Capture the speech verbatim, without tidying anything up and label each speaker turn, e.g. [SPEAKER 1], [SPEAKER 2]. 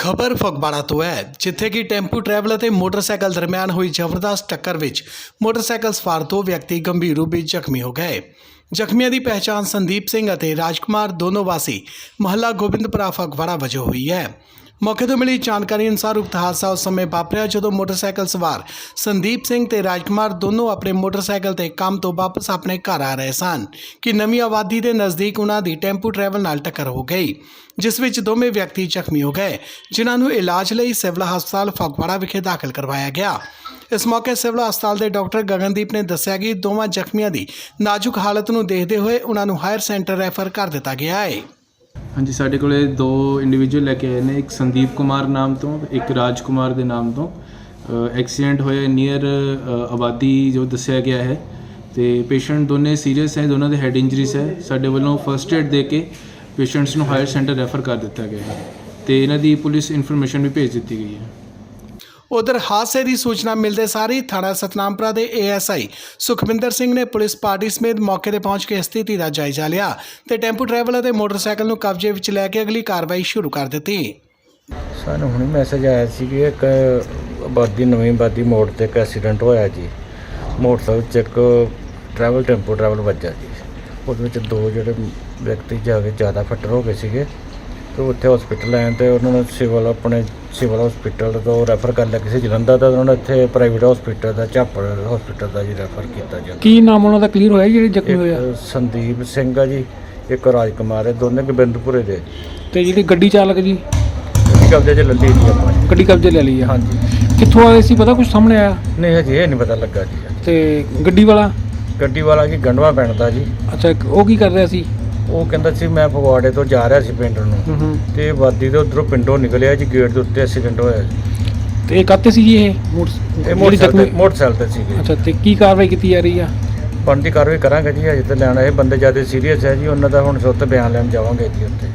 [SPEAKER 1] ਖਬਰ ਫਗਵਾੜਾ ਤੋਂ ਹੈ, ਜਿੱਥੇ ਕਿ ਟੈਂਪੂ ਟਰੈਵਲ ਅਤੇ ਮੋਟਰਸਾਈਕਲ ਦਰਮਿਆਨ ਹੋਈ ਜ਼ਬਰਦਸਤ ਟੱਕਰ ਵਿੱਚ ਮੋਟਰਸਾਈਕਲ ਸਵਾਰ ਦੋ ਵਿਅਕਤੀ ਗੰਭੀਰ ਰੂਪ ਵਿੱਚ ਜ਼ਖਮੀ ਹੋ ਗਏ। ਜ਼ਖਮੀਆਂ ਦੀ ਪਹਿਚਾਣ ਸੰਦੀਪ ਸਿੰਘ ਅਤੇ ਰਾਜਕੁਮਾਰ ਦੋਨੋਂ ਵਾਸੀ ਮੁਹੱਲਾ ਗੋਬਿੰਦਪੁਰਾ ਫਗਵਾੜਾ ਵਜੋਂ ਹੋਈ ਹੈ। ਮੌਕੇ ਤੋਂ ਮਿਲੀ ਜਾਣਕਾਰੀ ਅਨੁਸਾਰ ਉਕਤ ਹਾਦਸਾ ਉਸ ਸਮੇਂ ਵਾਪਰਿਆ ਜਦੋਂ ਮੋਟਰਸਾਈਕਲ ਸਵਾਰ ਸੰਦੀਪ ਸਿੰਘ ਤੇ ਰਾਜਕੁਮਾਰ ਦੋਨੋਂ ਆਪਣੇ ਮੋਟਰਸਾਈਕਲ ਤੇ ਕੰਮ ਤੋਂ ਵਾਪਸ ਆਪਣੇ ਘਰ ਆ ਰਹੇ ਸਨ ਕਿ ਨਵੀਂ ਆਬਾਦੀ ਦੇ ਨਜ਼ਦੀਕ ਉਹਨਾਂ ਦੀ ਟੈਂਪੂ ਟਰੈਵਲ ਨਾਲ ਟੱਕਰ ਹੋ ਗਈ, ਜਿਸ ਵਿੱਚ ਦੋਵੇਂ ਵਿਅਕਤੀ ਜ਼ਖਮੀ ਹੋ ਗਏ, ਜਿਨ੍ਹਾਂ ਨੂੰ ਇਲਾਜ ਲਈ ਸਿਵਲ ਹਸਪਤਾਲ ਫਗਵਾੜਾ ਵਿਖੇ ਦਾਖਲ ਕਰਵਾਇਆ ਗਿਆ। ਇਸ ਮੌਕੇ ਸਿਵਲ ਹਸਪਤਾਲ ਦੇ ਡਾਕਟਰ ਗਗਨਦੀਪ ਨੇ ਦੱਸਿਆ ਕਿ ਦੋਵਾਂ ਜ਼ਖਮੀਆਂ ਦੀ ਨਾਜ਼ੁਕ ਹਾਲਤ ਨੂੰ ਦੇਖਦੇ ਹੋਏ ਉਹਨਾਂ ਨੂੰ ਹਾਇਰ ਸੈਂਟਰ ਰੈਫਰ ਕਰ ਦਿੱਤਾ ਗਿਆ ਹੈ।
[SPEAKER 2] ਹਾਂਜੀ, ਸਾਡੇ ਕੋਲੇ ਦੋ ਇੰਡੀਵਿਜੂਅਲ ਲੈ ਕੇ ਆਏ ਨੇ, ਇੱਕ ਸੰਦੀਪ ਕੁਮਾਰ ਨਾਮ ਤੋਂ, ਇੱਕ ਰਾਜ ਕੁਮਾਰ ਦੇ ਨਾਮ ਤੋਂ। ਐਕਸੀਡੈਂਟ ਹੋਇਆ ਨੀਅਰ ਆਬਾਦੀ ਜੋ ਦੱਸਿਆ ਗਿਆ ਹੈ ਤੇ ਪੇਸ਼ੈਂਟ ਦੋਨੇ ਸੀਰੀਅਸ ਹੈ, ਦੋਨਾਂ ਦੇ ਹੈਡ ਇੰਜਰੀਜ਼ ਹੈ। ਸਾਡੇ ਵੱਲੋਂ ਫਸਟ ਏਡ ਦੇ ਕੇ ਪੇਸ਼ੈਂਟਸ ਨੂੰ ਹਾਇਰ ਸੈਂਟਰ ਰੈਫਰ ਕਰ ਦਿੱਤਾ ਗਿਆ ਹੈ ਤੇ ਇਹਨਾਂ ਦੀ ਪੁਲਿਸ ਇਨਫੋਰਮੇਸ਼ਨ ਵੀ ਭੇਜ ਦਿੱਤੀ ਗਈ ਹੈ।
[SPEAKER 1] ਉਧਰ ਹਾਦਸੇ ਦੀ ਸੂਚਨਾ ਮਿਲਦੇ ਸਾਰ ਹੀ ਥਾਣਾ ਸਤਨਾਮਪੁਰਾ ਦੇ A S I Sukhwinder Singh ਨੇ ਪੁਲਿਸ ਪਾਰਟੀ ਸਮੇਤ ਮੌਕੇ ਤੇ ਪਹੁੰਚ ਕੇ ਸਥਿਤੀ ਦਾ ਜਾਇਜ਼ਾ ਲਿਆ ਤੇ ਟੈਂਪੂ ਟਰੈਵਲ ਅਤੇ ਮੋਟਰਸਾਈਕਲ ਨੂੰ ਕਬਜ਼ੇ ਵਿੱਚ ਲੈ ਕੇ ਅਗਲੀ ਕਾਰਵਾਈ ਸ਼ੁਰੂ ਕਰ ਦਿੱਤੀ।
[SPEAKER 3] ਸਾਨੂੰ ਹੁਣੇ ਮੈਸੇਜ ਆਇਆ ਸੀ ਕਿ ਇੱਕ ਆਬਾਦੀ ਨਵੀਂ ਆਬਾਦੀ ਮੋੜ ਤੇ ਇੱਕ ਐਕਸੀਡੈਂਟ ਹੋਇਆ ਜੀ। ਮੋਟਰਸਾਈਕਲ 'ਚ ਇੱਕ ਟਰੈਵਲ ਟੈਂਪੂ ਟਰੈਵਲ ਵੱਜਾ ਜੀ। ਉਹਦੇ ਵਿੱਚ ਦੋ ਜਿਹੜੇ ਵਿਅਕਤੀ ਜਾ ਕੇ ਜ਼ਿਆਦਾ ਫੱਟਰ ਹੋ ਗਏ ਸੀਗੇ ਤੇ ਉੱਥੇ ਹਸਪੀਟਲ ਆਏ ਤੇ ਉਹਨਾਂ ਨੂੰ ਸਿਵਲ ਆਪਣੇ ਸਿਵਲ ਹਸਪੀਟਲ ਤੋਂ ਰੈਫਰ ਕਰ ਲਿਆ ਕਿਸੇ ਜਲੰਧਰ ਦਾ, ਉਹਨਾਂ ਨੇ ਇੱਥੇ ਪ੍ਰਾਈਵੇਟ ਹਸਪੀਟਲ ਦਾ ਝਾਪੜ ਹਸਪੀਟਲ ਦਾ ਜੀ ਰੈਫਰ ਕੀਤਾ ਜੀ।
[SPEAKER 4] ਕੀ ਨਾਮ ਉਹਨਾਂ ਦਾ ਕਲੀਅਰ ਹੋਇਆ ਜਿਹੜੇ ਜ਼ਖਮੀ ਹੋਇਆ?
[SPEAKER 3] ਸੰਦੀਪ ਸਿੰਘ ਆ ਜੀ, ਇੱਕ ਰਾਜਕੁਮਾਰ ਹੈ, ਦੋਨੇ ਗੋਬਿੰਦਪੁਰੇ ਦੇ।
[SPEAKER 4] ਤੇ ਜਿਹੜੀ ਗੱਡੀ ਚਾਲਕ ਜੀ
[SPEAKER 3] ਗੱਡੀ ਕਬਜ਼ੇ 'ਚ ਲੈ ਲਈ ਜੀ ਆਪਾਂ ਨੇ।
[SPEAKER 4] ਗੱਡੀ ਕਬਜ਼ੇ ਲੈ ਲਈ ਆ?
[SPEAKER 3] ਹਾਂਜੀ।
[SPEAKER 4] ਕਿੱਥੋਂ ਆਏ ਸੀ, ਪਤਾ ਕੁਝ ਸਾਹਮਣੇ ਆਇਆ?
[SPEAKER 3] ਨਹੀਂ ਹਜੇ ਇਹ ਨਹੀਂ ਪਤਾ ਲੱਗਾ ਜੀ।
[SPEAKER 4] ਤੇ ਗੱਡੀ ਵਾਲਾ
[SPEAKER 3] ਗੱਡੀ ਵਾਲਾ ਜੀ ਗੰਡਵਾ ਪਿੰਡ ਦਾ ਜੀ।
[SPEAKER 4] ਅੱਛਾ, ਉਹ ਕੀ ਕਰ ਰਿਹਾ ਸੀ?
[SPEAKER 3] ਉਹ ਕਹਿੰਦਾ ਸੀ ਮੈਂ ਫਗਵਾੜੇ ਤੋਂ ਜਾ ਰਿਹਾ ਸੀ ਪਿੰਡ ਨੂੰ
[SPEAKER 4] ਹੂੰ ਹੂੰ।
[SPEAKER 3] ਤੇ ਵਾਦੀ ਦੇ ਉਧਰੋਂ ਪਿੰਡੋਂ ਨਿਕਲਿਆ ਜੀ, ਗੇਟ ਦੇ ਉੱਤੇ ਐਕਸੀਡੈਂਟ ਹੋਇਆ ਜੀ।
[SPEAKER 4] ਤੇ ਇਹ ਕਾਤੇ ਸੀ ਜੀ ਇਹ
[SPEAKER 3] ਇਹ
[SPEAKER 4] ਮੋਟਰ
[SPEAKER 3] ਮੋਟਰਸਾਈਕਲ ਮੋਟਰਸਾਈਕਲ ਤੇ ਸੀਗੇ।
[SPEAKER 4] ਅੱਛਾ, ਤੇ ਕੀ ਕਾਰਵਾਈ ਕੀਤੀ ਜਾ ਰਹੀ ਆ?
[SPEAKER 3] ਬਣਦੀ ਕਾਰਵਾਈ ਕਰਾਂਗੇ ਜੀ। ਅਜੇ ਤਾਂ ਲੈਣਾ ਇਹ ਬੰਦੇ ਜ਼ਿਆਦਾ ਸੀਰੀਅਸ ਹੈ ਜੀ, ਉਹਨਾਂ ਦਾ ਹੁਣ ਸੁੱਤ ਬਿਆਨ ਲੈਣ ਜਾਵਾਂਗੇ ਜੀ ਉੱਥੇ।